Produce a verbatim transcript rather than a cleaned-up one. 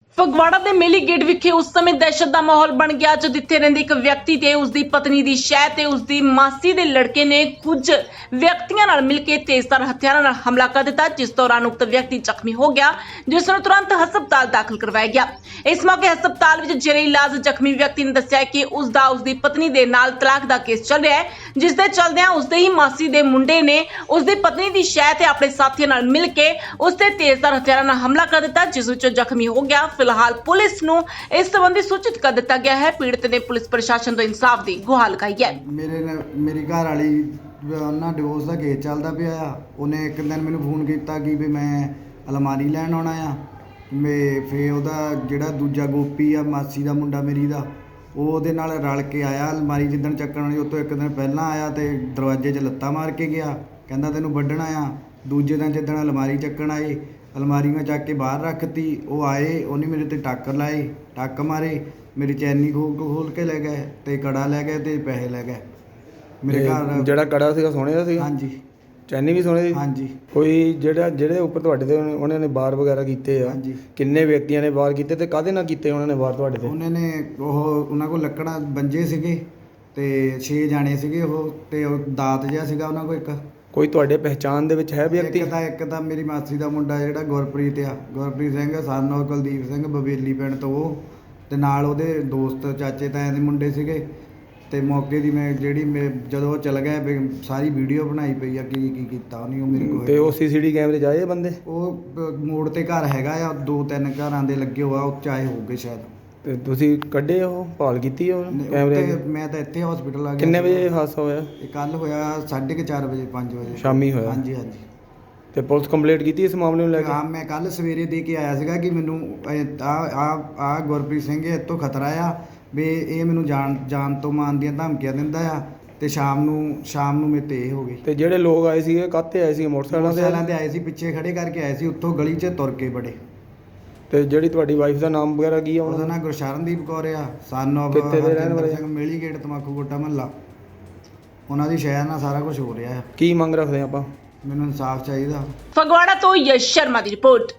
ਫਗਵਾੜਾ ਦੇ ਮੇਲੀ ਗੇਟ ਵਿਖੇ ਉਸ ਸਮੇਂ ਦਹਿਸ਼ਤ ਦਾ ਮਾਹੌਲ ਬਣ ਗਿਆ ਜਦੋਂ ਇੱਥੇ ਰਹਿੰਦੇ ਇੱਕ ਵਿਅਕਤੀ ਤੇ ਉਸ ਦੀ ਪਤਨੀ ਦੀ ਸ਼ਹਿ ਤੇ ਉਸ ਦੀ ਮਾਸੀ ਦੇ ਲੜਕੇ ਨੇ ਕੁਝ ਵਿਅਕਤੀਆਂ ਨਾਲ ਮਿਲ ਕੇ ਤੇਜ਼ਧਾਰ ਹਥਿਆਰਾਂ ਨਾਲ ਹਮਲਾ ਕਰ ਦਿੱਤਾ, ਜਿਸ ਦੌਰਾਨ ਉਕਤ ਵਿਅਕਤੀ ਜ਼ਖਮੀ ਹੋ ਗਿਆ, ਜਿਸ ਨੂੰ ਤੁਰੰਤ ਹਸਪਤਾਲ ਦਾਖਲ ਕਰਵਾਇਆ ਗਿਆ। ਇਸ ਮੌਕੇ ਹਸਪਤਾਲ ਵਿੱਚ ਜੇਰੇ ਇਲਾਜ ਜ਼ਖਮੀ ਵਿਅਕਤੀ ਨੇ ਦੱਸਿਆ ਕਿ ਉਸ ਦਾ ਉਸ ਦੀ ਪਤਨੀ ਦੇ ਨਾਲ ਤਲਾਕ ਦਾ ਕੇਸ ਚੱਲ ਰਿਹਾ ਹੈ, ਜਿਸ ਦੇ ਚੱਲਦਿਆਂ ਉਸ ਦੇ ਹੀ ਮਾਸੀ ਦੇ ਮੁੰਡੇ ਨੇ ਉਸ ਦੀ ਪਤਨੀ ਦੀ ਸ਼ਹਿ ਤੇ ਆਪਣੇ ਸਾਥੀਆਂ ਨਾਲ ਮਿਲ ਕੇ ਉਸ ਤੇ ਤੇਜ਼ਧਾਰ ਹਥਿਆਰਾਂ ਨਾਲ ਹਮਲਾ ਕਰ ਦਿੱਤਾ, ਜਿਸ ਵਿੱਚ ਜ਼ਖਮੀ ਹੋ ਗਿਆ। ਫਿਲਹਾਲ ਪੁਲਿਸ ਨੂੰ ਇਸ ਸੰਬੰਧੀ ਸੂਚਿਤ ਕਰ ਦਿੱਤਾ ਗਿਆ ਹੈ। ਪੀੜਤ ਨੇ ਪੁਲਿਸ ਪ੍ਰਸ਼ਾਸਨ ਤੋਂ ਇਨਸਾਫ ਦੀ ਗੁਹਾਰ ਲਗਾਈ ਹੈ। ਮੇਰੇ ਨਾਲ ਮੇਰੀ ਘਰ ਵਾਲੀ ਉਹਨਾਂ ਡਿਵੋਰਸ ਦਾ ਕੇਸ ਚੱਲਦਾ ਪਿਆ ਆ। ਉਹਨੇ ਇੱਕ ਦਿਨ ਮੈਨੂੰ ਫੋਨ ਕੀਤਾ ਕਿ ਵੀ ਮੈਂ ਅਲਮਾਰੀ ਲੈਣ ਆਉਣਾ ਆ। ਮੈਂ ਫੇ ਉਹਦਾ ਜਿਹੜਾ ਦੂਜਾ ਗੋਪੀ ਆ ਮਾਸੀ ਦਾ ਮੁੰਡਾ ਮੇਰੀ ਦਾ, ਉਹ ਉਹਦੇ ਨਾਲ ਰਲ ਕੇ ਆਇਆ ਅਲਮਾਰੀ ਜਿੱਦਣ ਚੱਕਣ ਵਾਲੀ, ਉਹ ਤੋਂ ਇੱਕ ਦਿਨ ਪਹਿਲਾਂ ਆਇਆ ਤੇ ਦਰਵਾਜ਼ੇ 'ਚ ਲੱਤਾਂ ਮਾਰ ਕੇ ਗਿਆ, ਕਹਿੰਦਾ ਤੈਨੂੰ ਵੱਢਣਾ ਆ। ਦੂਜੇ ਦਿਨ ਜਿੱਦਣ ਅਲਮਾਰੀ ਚੱਕਣ ਆਏ, ਅਲਮਾਰੀ ਮੈਂ ਚੱਕ ਕੇ ਬਾਹਰ ਰੱਖਤੀ। ਉਹ ਆਏ, ਉਹਨੇ ਮੇਰੇ ਤੇ ਟੱਕ ਲਾਏ, ਟੱਕ ਮਾਰੇ, ਮੇਰੀ ਚੈਨੀ ਖੋਲ ਖੋਲ ਕੇ ਲੈ ਗਏ ਤੇ ਕੜਾ ਲੈ ਗਏ ਤੇ ਪੈਸੇ ਲੈ ਗਏ ਮੇਰੇ ਘਰ। ਜਿਹੜਾ ਕੜਾ ਸੀਗਾ ਸੋਨੇ ਦਾ ਸੀਗਾ? ਹਾਂਜੀ। ਚੈਨੀ ਵੀ ਸੋਨੇ ਦੀ? ਹਾਂਜੀ। ਕੋਈ ਜਿਹੜਾ ਜਿਹੜੇ ਉੱਪਰ ਤੁਹਾਡੇ ਤੇ ਉਹਨਾਂ ਨੇ ਵਾਰ ਵਗੈਰਾ ਕੀਤੇ ਆ? ਹਾਂਜੀ। ਕਿੰਨੇ ਵਿਅਕਤੀਆਂ ਨੇ ਵਾਰ ਕੀਤੇ ਤੇ ਕਾਹਦੇ ਨਾਲ ਕੀਤੇ ਉਹਨਾਂ ਨੇ ਵਾਰ ਤੁਹਾਡੇ ਤੇ? ਉਹਨਾਂ ਨੇ ਉਹ ਉਹਨਾਂ ਕੋਲ ਲੱਕੜਾਂ ਬੰਜੇ ਸੀਗੇ ਤੇ ਛੇ ਜਾਣੇ ਸੀਗੇ ਉਹ, ਤੇ ਉਹ ਦਾਤ ਜਿਹਾ ਸੀਗਾ ਉਹਨਾਂ ਕੋਲ ਇੱਕ। ਕੋਈ ਤੁਹਾਡੇ ਪਹਿਚਾਣ ਦੇ ਵਿੱਚ ਹੈ ਵਿਅਕਤੀ? ਇੱਕ ਤਾਂ ਇੱਕ ਤਾਂ ਮੇਰੀ ਮਾਸੀ ਦਾ ਮੁੰਡਾ ਜਿਹੜਾ ਗੁਰਪ੍ਰੀਤ ਆ, ਗੁਰਪ੍ਰੀਤ ਸਿੰਘ ਸਨ ਔਰ ਕੁਲਦੀਪ ਸਿੰਘ ਬਵੇਲੀ ਪਿੰਡ ਤੋਂ, ਉਹ ਤੇ ਨਾਲ ਉਹਦੇ ਦੋਸਤ ਚਾਚੇ ਤਾਇਆਂ ਦੇ ਮੁੰਡੇ ਸੀਗੇ। ਤੇ ਮੌਕੇ ਦੀ ਮੈਂ ਜਿਹੜੀ ਮੈਂ ਜਦੋਂ ਉਹ ਚਲ ਗਏ ਵੀ ਸਾਰੀ ਵੀਡੀਓ ਬਣਾਈ ਪਈ ਆ ਕੀ ਕੀ ਕੀਤਾ ਉਹਨੇ। ਉਹ ਮੇਰੇ ਕੋਲ ਤੇ ਉਹ ਸੀਸੀਟੀ ਕੈਮਰੇ 'ਚ ਆਏ ਬੰਦੇ? ਉਹ ਬ- ਮੋੜ ਤੇ ਘਰ ਹੈਗਾ ਆ, ਦੋ ਤਿੰਨ ਘਰਾਂ ਦੇ ਲੱਗੇ ਹੋਆ, ਉਹ ਚਾਹੇ ਹੋਊਗੇ ਸ਼ਾਇਦ। ਤੇ ਤੁਸੀਂ ਕੱਢੇ ਉਹ ਭਾਲ ਕੀਤੀ ਉਹ ਕੈਮਰੇ ਉੱਤੇ ਦੀ? ਮੈਂ ਤਾਂ ਇੱਥੇ ਹਸਪੀਟਲ ਆ ਗਿਆ। ਕਿੰਨੇ ਵਜੇ ਹਾਦਸਾ ਹੋਇਆ? ਇਹ ਕੱਲ ਹੋਇਆ ਸਾਢੇ ਕੁ ਚਾਰ ਵਜੇ ਪੰਜ ਵਜੇ ਸ਼ਾਮੀ ਹੋਇਆ? ਹਾਂਜੀ ਹਾਂਜੀ। ਤੇ ਪੁਲਿਸ ਕੰਪਲੇਂਟ ਕੀਤੀ ਇਸ ਮਾਮਲੇ ਨੂੰ ਲੈ ਕੇ? ਹਾਂ, ਮੈਂ ਕੱਲ ਸਵੇਰੇ ਦੇ ਕੇ ਆਇਆ ਸੀਗਾ ਕਿ ਮੈਨੂੰ ਆ ਆ ਆ ਗੁਰਪ੍ਰੀਤ ਸਿੰਘ ਇਹ ਤੋਂ ਖਤਰਾ ਆ ਵੀ ਇਹ ਮੈਨੂੰ ਜਾਨ ਜਾਨ ਤੋਂ ਮਾਰਨ ਦੀਆਂ ਧਮਕੀਆਂ ਦਿੰਦਾ ਆ। ਤੇ ਸ਼ਾਮ ਨੂੰ ਸ਼ਾਮ ਨੂੰ ਮੇਰੇ ਤੇ ਇਹ ਹੋ ਗਈ। ਤੇ ਜਿਹੜੇ ਲੋਕ ਆਏ ਸੀਗੇ ਕਾਹਤੇ ਆਏ ਸੀਗੇ? ਮੋਟਰਸਾਈਕਲਾਂ ਤੇ? ਮੋਟਰਸਾਈਕਲਾਂ ਤੇ ਆਏ ਸੀ, ਪਿੱਛੇ ਖੜੇ ਕਰਕੇ ਆਏ ਸੀ, ਉੱਥੋਂ ਗਲੀ 'ਚ ਤੁਰ ਕੇ ਬੜੇ। ਤੇ ਜਿਹੜੀ ਤੁਹਾਡੀ ਵਾਈਫ ਦਾ ਨਾਮ ਵਗੈਰਾ ਕੀ ਆ ਉਹਦਾ ਉਹਨਾਂ ਨਾਂ ਗੁਰਸ਼ਰਨਦੀਪ ਕੌਰ ਆ, ਸਨ ਆਫ ਕਿੱਥੇ ਦੇ ਰਹਿਣ ਵਾਲੇ? ਸਿੰਘ, ਮੇਲੀ ਗੇਟ ਤਮਾਕੂ ਕੋਟਾ ਮਹੱਲਾ। ਉਹਨਾਂ ਦੀ ਸ਼ਹਿਰ ਨਾਲ ਸਾਰਾ ਕੁਝ ਹੋ ਰਿਹਾ ਆ। ਕੀ ਮੰਗ ਰੱਖਦੇ ਆਪਾਂ? ਮੈਨੂੰ ਇਨਸਾਫ ਚਾਹੀਦਾ। ਫਗਵਾੜਾ ਤੋਂ ਯਸ਼ ਸ਼ਰਮਾ ਦੀ ਰਿਪੋਰਟ।